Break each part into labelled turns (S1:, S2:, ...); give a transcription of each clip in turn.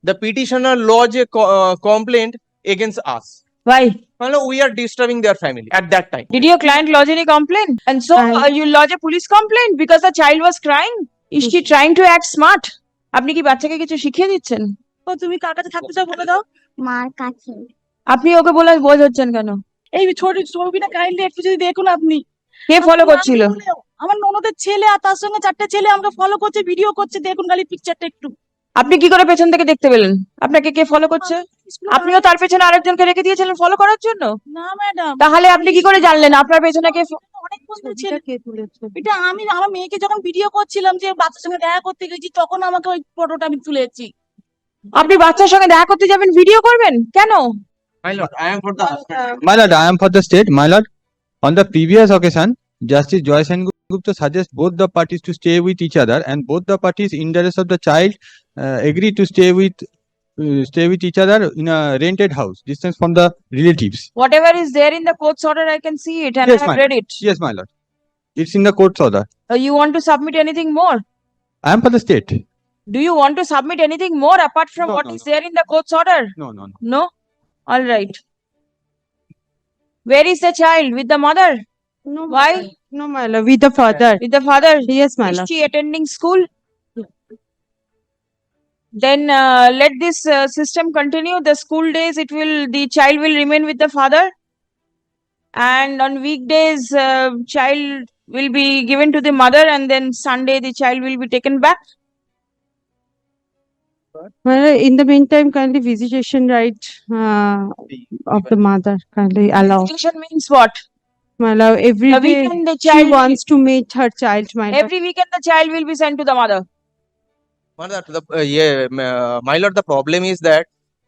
S1: the petitioner lodge a complaint against us.
S2: Why?
S1: Well, we are disturbing their family at that time.
S2: Did your client lodge any complaint? And so you lodge a police complaint because the child was crying? Is she trying to act smart? আপনি কি বাচ্চাকে কিছু শিখিয়ে দিচ্ছেন?
S3: ও তুমি কার কাছে থাকতে চাও বলে দাও।
S4: মার কাছে।
S2: আপনি ওকে বলে বোঝ হচ্ছেন কেন?
S3: এই ছোট ছবিটা কাইন্ডলি একটু যদি দেখুন আপনি।
S2: কে ফলো করছিল?
S3: আমার ননদের ছেলে আর তার সঙ্গে 4টে ছেলে আমাকে ফলো করছে, ভিডিও করছে, দেখুন খালি পিকচারটা একটু।
S2: আপনি কি করে পেছন থেকে দেখতে পেলেন? আপনাকে কে ফলো করছে? আপনিও তার পেছনে আরেকজনকে রেখে দিয়েছিলেন ফলো করার জন্য?
S3: না ম্যাডাম।
S2: তাহলে আপনি কি করে জানলেন আপনার পেছনে কে?
S3: অনেক বন্ধু ছেলে কে তুলেছে এটা। আমি আমার মেয়েকে যখন ভিডিও করছিলাম যে বাচ্চার সঙ্গে দেখা করতে গেছি, তখন আমাকে ওই ফটোটা আমি তুলেছি।
S2: আপনি বাচ্চার সঙ্গে দেখা করতে যাবেন, ভিডিও করবেন কেন?
S1: My lord, I am for the husband.
S5: My lord, I am for the state. My lord, on the previous occasion, Justice Joy Sengupta suggests both the parties to stay with each other, and both the parties, in the interest of the child, agree to stay with each other in a rented house, distance from the relatives.
S2: Whatever is there in the court's order, I can see it and
S5: Yes,
S2: I have
S5: ma'am.
S2: read it.
S5: Yes, my lord. It's in the court's order.
S2: You want to submit anything more?
S5: I am for the state.
S2: Do you want to submit anything more apart from
S5: No,
S2: what
S5: no,
S2: is
S5: no.
S2: there in the court's order?
S5: No, no, no.
S2: No? All right. Where is the child? With the mother?
S6: No,
S2: Why?
S6: No, my lord. With the father.
S2: With the father?
S6: Yes, my
S2: Is
S6: lord.
S2: she attending school? Then let this system continue. The school days, the child will remain with the father, and on weekdays, child will be given to the mother, and then Sunday the child will be taken back.
S6: My lord, in the meantime, kindly visitation right of the mother kindly allow.
S2: Visitation means what?
S6: My lord, every
S2: The
S6: day
S2: weekend the
S6: she
S2: child
S6: wants to meet her child. My lord.
S2: every weekend the child will be sent to the mother.
S1: My lord, the problem is that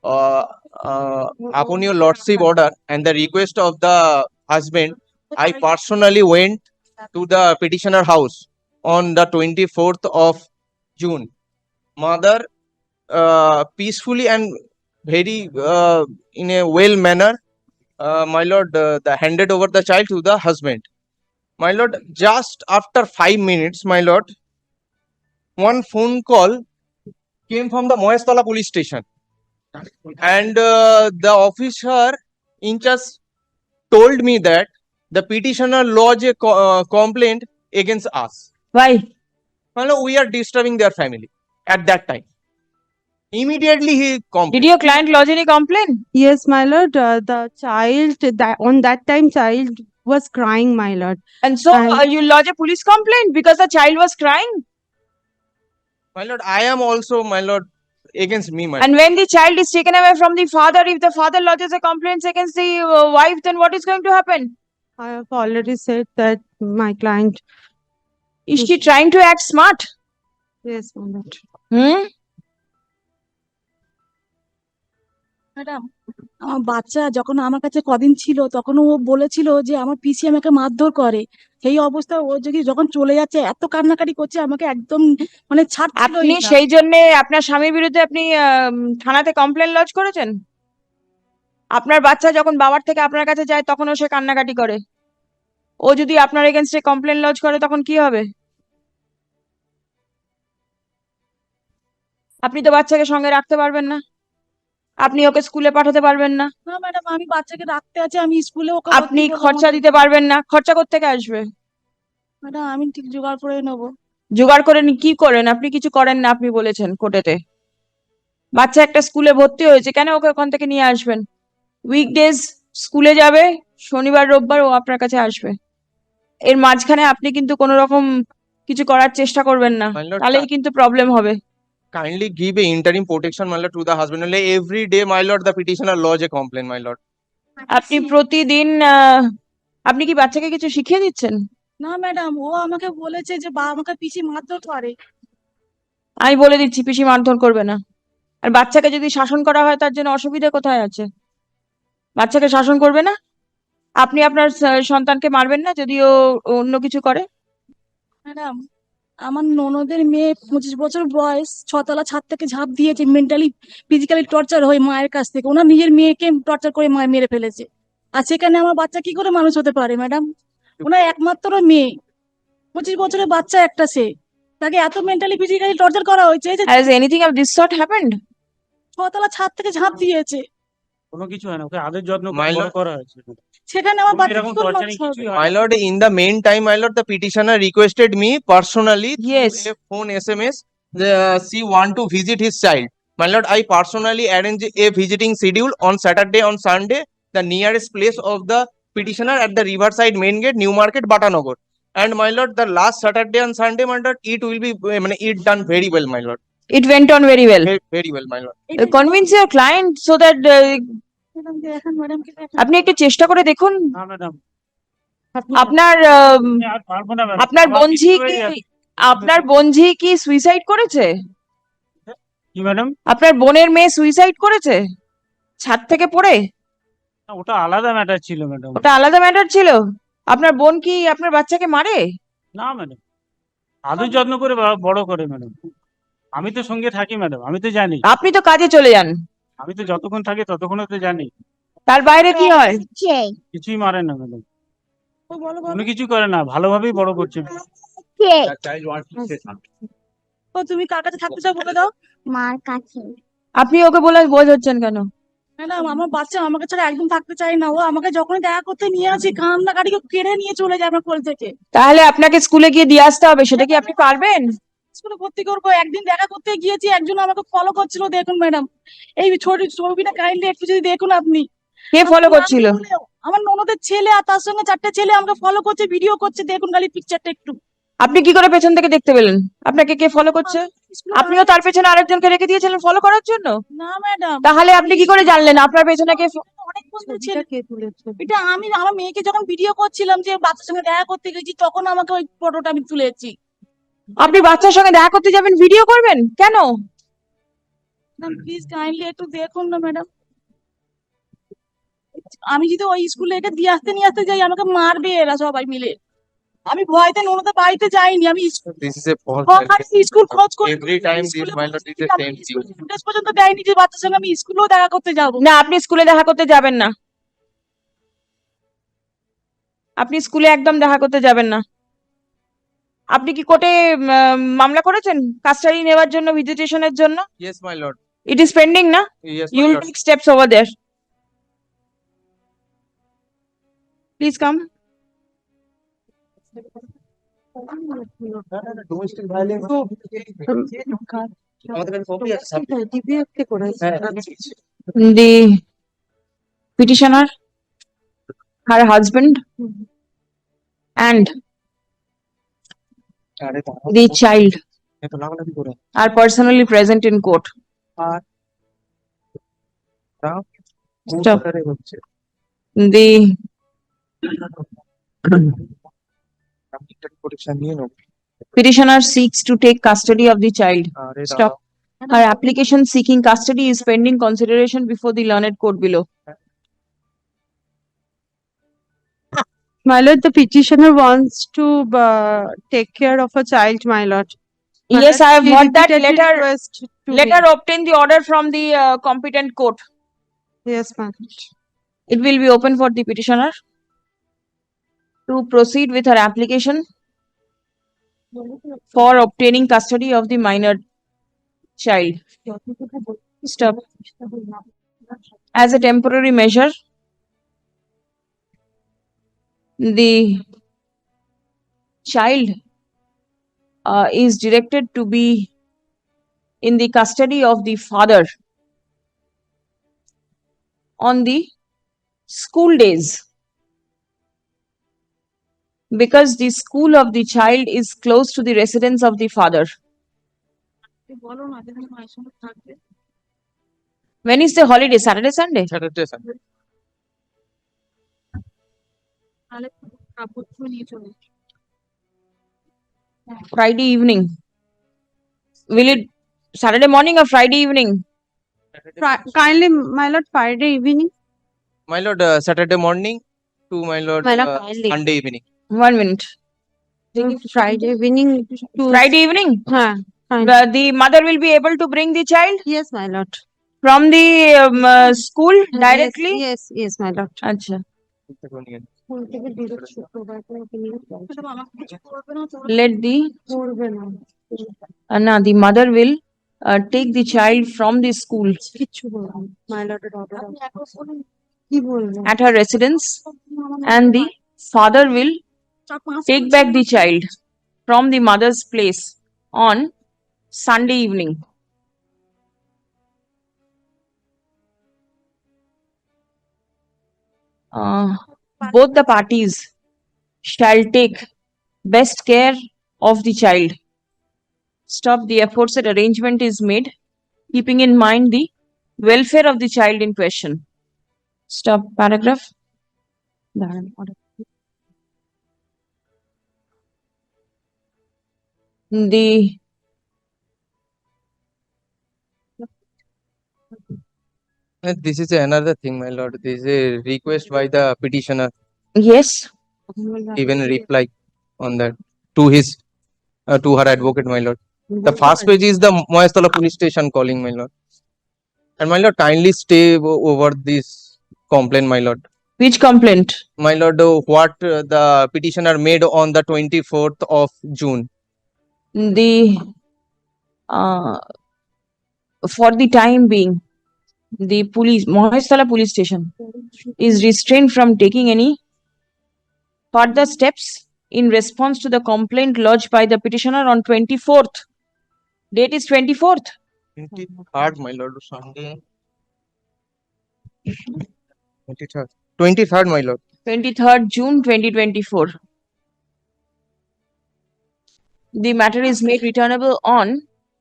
S1: upon your lordship order and the request of the husband, I personally went to the petitioner house on the 24th of June. Mother peacefully and very in a well manner, my lord, handed over the child to the husband. My lord, just after 5 minutes, my lord, one phone call came from the Moestala police station, and the officer in charge told me that the petitioner lodged a complaint against us.
S2: Why?
S1: Well, we are disturbing their family at that time. Immediately he complained.
S2: Did your client lodge any complaint?
S6: Yes, my lord. The child on that time child was crying, my lord.
S2: And so you lodge a police complaint because the child was crying.
S1: My lord, I am also, my lord, against me, my lord.
S2: And when the child is taken away from the father, if the father lodges a complaint against the wife, then what is going to happen?
S6: I have already said that my client.
S2: Is she trying to act smart?
S6: Yes, my lord.
S2: Hmm?
S3: Madam, আমার বাচ্চা যখন আমার কাছে কদিন ছিল, তখন ও বলেছিল যে আমার পিসি আমাকে মারধর করে। সেই অবস্থা ও যদি যখন চলে যাচ্ছে এত কান্নাকাটি করছে, আমাকে একদম মানে ছাড়ছিলই
S2: আপনি
S3: না।
S2: সেই জন্য আপনার স্বামীর বিরুদ্ধে আপনি থানাতে কমপ্লেন লজ করেছেন? আপনার বাচ্চা যখন বাবার থেকে আপনার কাছে যায় তখনও সে কান্নাকাটি করে। ও যদি আপনার এগেইনস্টে কমপ্লেন লজ করে তখন কি হবে? আপনি তো বাচ্চাকে সঙ্গে রাখতে পারবেন না, আপনি ওকে স্কুলে পাঠাতে পারবেন না,
S3: না ম্যাডাম, আমি বাচ্চাকে রাখতে আছে, আমি স্কুলে ওকে
S2: আপনি খরচা দিতে পারবেন না। খরচা কোত্থেকে আসবে?
S3: ম্যাডাম আমি ঠিক জোগাড় করে নেবো।
S2: জোগাড় করে কি করেন? আপনি কিছু করেন না, আপনি বলেছেন কোর্টেতে। বাচ্চা একটা স্কুলে ভর্তি হয়েছে, কেন ওকে ওখান থেকে নিয়ে আসবেন? উইকডেজ স্কুলে যাবে, শনিবার রোববার ও আপনার কাছে আসবে। এর মাঝখানে আপনি কিন্তু কোনো রকম কিছু করার চেষ্টা করবেন না,
S1: My lord,
S2: তাহলেই কিন্তু প্রবলেম হবে।
S1: kindly give a interim protection, my lord, to the husband. Only every day, my lord, the petitioner lodge a complaint, my lord.
S2: আপনি প্রতিদিন আপনি কি বাচ্চাকে কিছু শিখিয়ে দিচ্ছেন?
S3: না ম্যাডাম, ও আমাকে বলেছে যে আমাকে পিসি মারধর করে।
S2: আমি বলে দিচ্ছি পিসি মারধর করবে না। আর বাচ্চাকে যদি শাসন করা হয় তার জন্য অসুবিধা কোথায় আছে? বাচ্চাকে শাসন করবে না? আপনি আপনার সন্তানকে মারবেন না যদি ও অন্য কিছু করে?
S3: ম্যাডাম, আমার ননদের মেয়ে 25 বছর বয়স, 6তলা ছাদ থেকে ঝাঁপ দিয়েছে, মেন্টালি ফিজিক্যালি টর্চার হয়ে মায়ের কাছ থেকে। ওনার নিজের মেয়েকে টর্চার করে মেরে ফেলেছে। আর সেখানে আমার বাচ্চা কি করে মানুষ হতে পারে ম্যাডাম? ওনার একমাত্র মেয়ে, 25 বছরের বাচ্চা একটা, সে তাকে এত মেন্টালি ফিজিক্যালি টর্চার করা হয়েছে যে
S2: Has anything of this sort happened?
S3: ছতলা ছাদ থেকে ঝাঁপ দিয়েছে।
S4: কোনো কিছু হয় না, ওকে আদর যত্ন করে
S1: My
S4: বড়
S1: lord-
S4: করা হয়েছে।
S3: সেখানে আমার
S4: কোনো
S3: বাচ্চা
S4: এরকম
S3: কি করে
S4: torturing
S3: মানুষ হবে?
S4: কিছুই হয়
S1: My
S4: না।
S1: lord, in the meantime, my lord, the petitioner requested me personally through
S2: Yes.
S1: a phone SMS. She want to visit his child. My lord, I personally arrange a visiting schedule on Saturday, on Sunday, the nearest place of the petitioner at the Riverside Main Gate, New Market, Batanagar. And my lord, the last Saturday and Sunday, my lord, it will be, it done very well, my lord.
S2: It went on very well.
S1: Very well, my lord.
S3: এটা
S2: Convince your client so that
S3: madam কে দেখান, madam কে দেখান।
S2: আপনি একটু চেষ্টা করে দেখুন।
S4: না ম্যাডাম,
S2: আপনার
S4: আমি আর পারবো না ম্যাডাম।
S2: আপনার
S4: আমার
S2: বোনঝি
S4: কিছু হয়ে
S2: কি
S4: যাচ্ছে।
S2: আপনার বোনঝি কি সুইসাইড করেছে?
S4: কি ম্যাডাম?
S2: আপনার বোনের মেয়ে সুইসাইড করেছে ছাদ থেকে পড়ে?
S4: না, ওটা আলাদা ম্যাটার ছিল ম্যাডাম।
S2: ওটা আলাদা ম্যাটার ছিল। আপনার বোন কি আপনার বাচ্চাকে মারে?
S4: না ম্যাডাম, আদর যত্ন করে বড় করে ম্যাডাম। আমি তো সঙ্গে থাকি ম্যাডাম, আমি তো জানি।
S2: আপনি তো কাজে চলে যান,
S4: আমি তো যতক্ষণ থাকি ততক্ষণ তো জানি।
S2: তার বাইরে কি হয়?
S4: কিছুই মারে না ম্যাডাম,
S3: ও বলো বলো।
S4: কোনো কিছু করে না, ভালোভাবেই বড় করছে।
S3: ও তুমি কার কাছে থাকতে চাও বলে দাও।
S7: মার কাছে।
S2: আপনি ওকে বলে বোঝাচ্ছেন কেন?
S3: ম্যাডাম আমার বাচ্চা আমাকে ছাড়া একদম থাকতে চায় না। ও আমাকে যখনই দেখা করতে নিয়ে আসি কান্নাকাটিকে কেড়ে নিয়ে চলে যায় আমার কোল থেকে।
S2: তাহলে আপনাকে স্কুলে গিয়ে দিয়ে আসতে হবে, সেটা কি আপনি পারবেন?
S3: স্কুলে ভর্তি করবো, একদিন দেখা করতে গিয়েছি একজন আমাকে ফলো করছিল, দেখুন ম্যাডাম এই ছবিটা কাইন্ডলি একটু যদি দেখুন আপনি।
S2: কে ফলো
S3: আমার
S2: করছিল?
S3: নাম বলেও, আমার ননদের ছেলে আর তার সঙ্গে 4টে ছেলে আমাকে ফলো করছে, ভিডিও করছে, দেখুন খালি পিকচারটা একটু।
S2: আপনি কি করে পেছন থেকে দেখতে পেলেন আপনাকে কে ফলো করছে?
S3: স্কুলে
S2: আপনিও তার পেছনে আরেকজনকে রেখে দিয়েছিলেন ফলো করার জন্য?
S3: না ম্যাডাম,
S2: তাহলে আপনি কি করে জানলেন আপনার পেছনে কে
S3: অনেক বন্ধু ছেলে। এটা আমি আমার মেয়েকে যখন ভিডিও করছিলাম যে বাচ্চার সঙ্গে দেখা করতে গেছি, তখন আমাকে ওই ফটোটা আমি তুলেছি।
S2: আপনি বাচ্চার সঙ্গে দেখা করতে যাবেন, ভিডিও করবেন কেন?
S3: প্লিজ কাইন্ডলি একটু দেখুন না ম্যাডাম। আমি যদি ওই স্কুলে একে দিয়ে আসতে নিয়ে আসতে যাই আমাকে মারবে এরা সবাই মিলে। আমি ভয়তে ননদের বাড়িতে যাইনি, আমি
S1: This is a false
S3: school খোঁজ করি।
S1: Every time this my lord is the same thing.
S3: Footage পর্যন্ত দেয়নি যে বাচ্চার সঙ্গে আমি স্কুলেও দেখা করতে যাবো।
S2: না, আপনি স্কুলে দেখা করতে যাবেন না। আপনি স্কুলে একদম দেখা করতে যাবেন না। আপনি কি কোর্টে মামলা করেছেন কাস্টাডি নেওয়ার জন্য, ভিজিটেশনের জন্য?
S1: Yes, my lord.
S2: It is pending না?
S1: Yes,
S2: You
S1: my
S2: will
S1: lord.
S2: take steps over there. Please come.
S1: Domestic violence তো আমাদের কাছে সবই আছে।
S2: The petitioner, her husband, and
S1: আরে
S2: the child
S1: এত লাগালাগি করে
S2: are personally present in court. Stop.
S1: আরে হচ্ছে
S2: The
S1: পরীক্ষা নিয়ে নাও।
S2: petitioner seeks to take custody of the child.
S1: আরে
S2: Stop. Her application seeking custody is pending consideration before the learned court below.
S6: My lord, the petitioner wants to take care of a child, my lord. My
S2: Yes,
S6: lord,
S2: I have
S6: she
S2: got that
S6: repeatedly
S2: letter.
S6: request to
S2: Let
S6: me.
S2: her obtain the order from the competent court.
S6: Yes, my lord.
S2: It will be open for the petitioner to proceed with her application for obtaining custody of the minor child. Stop. As a temporary measure, the child is directed to be in the custody of the father on the school days, because the school of the child is close to the residence of the father.
S3: বলো না যেখানে মায়ের সঙ্গে থাকবে।
S2: When is the holiday? Saturday, Sunday?
S1: Saturday, Sunday.
S3: তাহলে কাপড় ধুয়ে নিয়ে চলে যাবে।
S2: Friday evening? Will it Saturday morning or Friday evening?
S6: Kindly, my lord, Friday evening.
S1: My lord, Saturday morning to my lord,
S6: My lord, kindly.
S1: Sunday evening.
S2: 1 minute.
S6: Friday evening to.
S2: Friday evening?
S6: Huh, fine.
S2: The mother will be able to bring the child
S6: Yes, my lord.
S2: from the school directly?
S6: Yes, yes, my lord.
S2: Acha.
S3: Madam আমাকে কিছু করবে না তো?
S2: Let the, no, the mother will take the child from the school
S6: কিচ্ছু বলবো না। My lord এর order আছে। কি বলবো?
S2: at her residence, and the father will take back the child from the mother's place on Sunday evening. Both the parties shall take best care of the child. Stop, the aforesaid arrangement is made, keeping in mind the welfare of the child in question. Stop, paragraph. দাঁড়ান, order. The
S1: This is another thing, my lord. This is a request by the petitioner,
S2: yes,
S1: even reply on that to his to her advocate, my lord. The first page is the Moyastola police station calling, my lord. And my lord, kindly stay over this complaint, my lord.
S2: which complaint?
S1: My lord, what the petitioner made on the 24th of June.
S2: The for the time being, the police, Mahestala police station is restrained from taking any further steps in response to the complaint lodged by the petitioner on 24th. Date is 24th.
S1: 23rd, my lord, Sunday. 23rd. 23rd, my lord.
S2: 23rd June 2024. The matter is made returnable on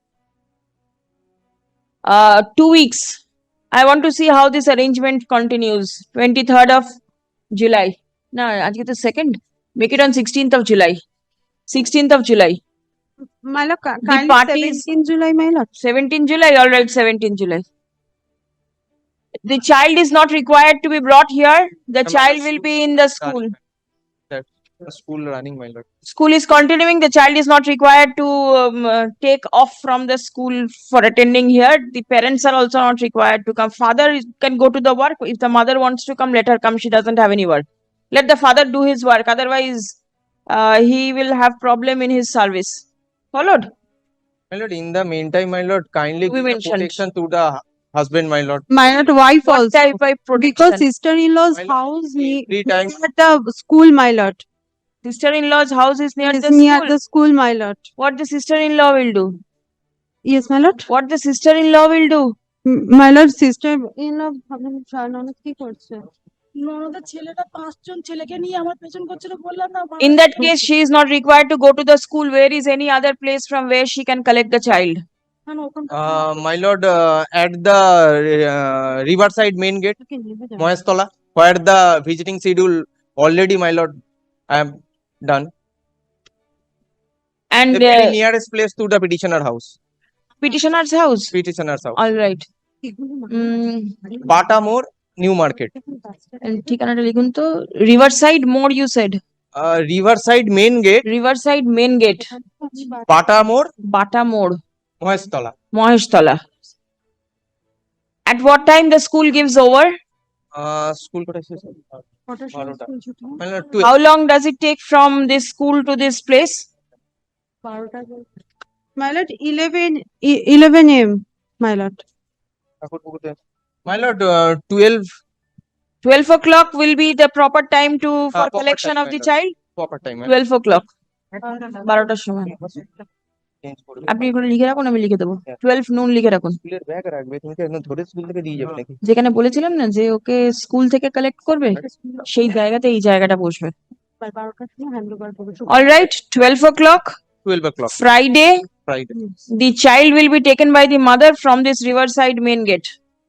S2: 2 weeks. I want to see how this arrangement continues. 23rd of July. No, আজকে তো 2nd. Make it on 16th of July. 16th of July.
S6: My lord, kindly
S2: parties-
S6: 17 July, my lord.
S2: 17 July, all right, 17 July. The child is not required to be brought here. The
S1: Ma'am,
S2: child
S1: the
S2: will
S1: school-
S2: be in the school.
S1: That school running, my lord.
S2: School is continuing. The child is not required to take off from the school for attending here. The parents are also not required to come. Father can go to the work. If the mother wants to come, let her come. She doesn't have any work. Let the father do his work. Otherwise, he will have problem in his service. Followed?
S1: My lord, in the meantime, my lord, kindly
S2: We
S1: give the
S2: mentioned.
S1: protection to the husband, my lord.
S6: My lord, wife
S2: What
S6: also.
S2: type of
S6: Because
S2: protection?
S6: sister-in-law's
S1: My lord,
S6: house near
S1: every time,
S6: the school, my lord.
S2: Sister-in-law's house is near
S6: Is
S2: the
S6: near
S2: school.
S6: the school, my lord.
S2: What the sister-in-law will do?
S6: Yes, my lord.
S2: What the sister-in-law will do?
S6: My lord, sister-in-law ভাবলাম ননদ কি করছে?
S3: ননদের ছেলেটা 5 জন ছেলেকে নিয়ে আমার পেছন করছিল বললাম না
S2: In that case, she is not required to go to the school. Where is any other place from where she can collect the child?
S1: my lord, at the Riverside main gate, Moyastola, where the visiting schedule already, my lord, I am done.
S2: And
S1: The very nearest place to the petitioner house.
S2: petitioner's house.
S1: Petitioner's house.
S2: All right.
S1: Bata More, New Market.
S2: ঠিকানাটা লিখুন তো। Riverside More, you said.
S1: Riverside main gate,
S2: Riverside main gate,
S1: Bata More,
S2: Bata More,
S1: Moyastola.
S2: Maheshtala. At what time the school gives over?
S1: School কোথায় শেষ হবে? 12টা। My lord,
S2: How long does it take from this school to this place?
S6: My lord, 11 a.m. My lord.
S1: My lord, 12
S2: 12 o'clock will be the proper time to for
S1: proper
S2: collection
S1: time,
S2: of the
S1: madam.
S2: child?
S1: proper time.
S2: 12 o'clock. 12টার সময়।
S1: Change করে
S2: আপনি এগুলো লিখে রাখুন, আমি লিখে দেবো। 12 noon লিখে রাখুন।
S1: স্কুলের ব্যাগ রাখবে, তুমি কি একদম ধরে স্কুল থেকে দিয়ে যাবে নাকি?
S2: যেখানে বলেছিলাম না যে ওকে স্কুল থেকে কালেক্ট করবে, সেই জায়গাতে এই জায়গাটা বসবে। All right, 12 o'clock,
S1: 12 o'clock,
S2: Friday,
S1: Friday.
S2: the child will be taken by the mother from this Riverside main gate.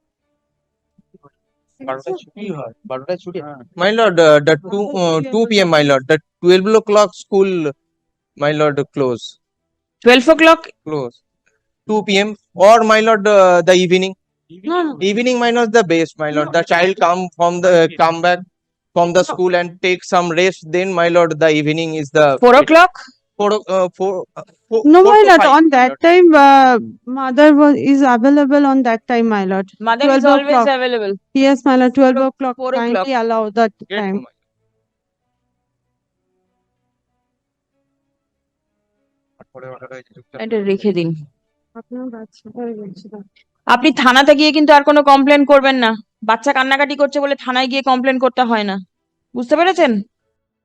S1: 12টায় ছুটি হয়, 12টায় ছুটি। My lord, the 2 p.m. my lord, the 12 o'clock school, my lord, close.
S2: 12 o'clock,
S1: 2 p.m. or my lord, the evening.
S2: no, no,
S1: Evening, my lord, the best, my lord. The child come back from the school and take some rest. Then, my lord, the evening is the
S2: 4 o'clock,
S1: 4
S6: No,
S1: 4
S6: my
S1: to
S6: lord,
S1: 5,
S6: on
S1: my
S6: that
S1: lord.
S6: time, mother is available on that time, my lord.
S2: mother is
S6: 12
S2: always
S6: o'clock.
S2: available.
S6: Yes, my lord, 12 o'clock.
S2: 4 o'clock.
S6: Kindly allow that
S1: Get
S6: time.
S1: to my-
S2: এটা রেখে দিন।
S6: আপনার বাচ্চা ওই বলছিলাম।
S2: আপনি থানাতে গিয়ে কিন্তু আর কোনো কমপ্লেন করবেন না। বাচ্চা কান্নাকাটি করছে বলে থানায় গিয়ে কমপ্লেন করতে হয় না, বুঝতে পেরেছেন?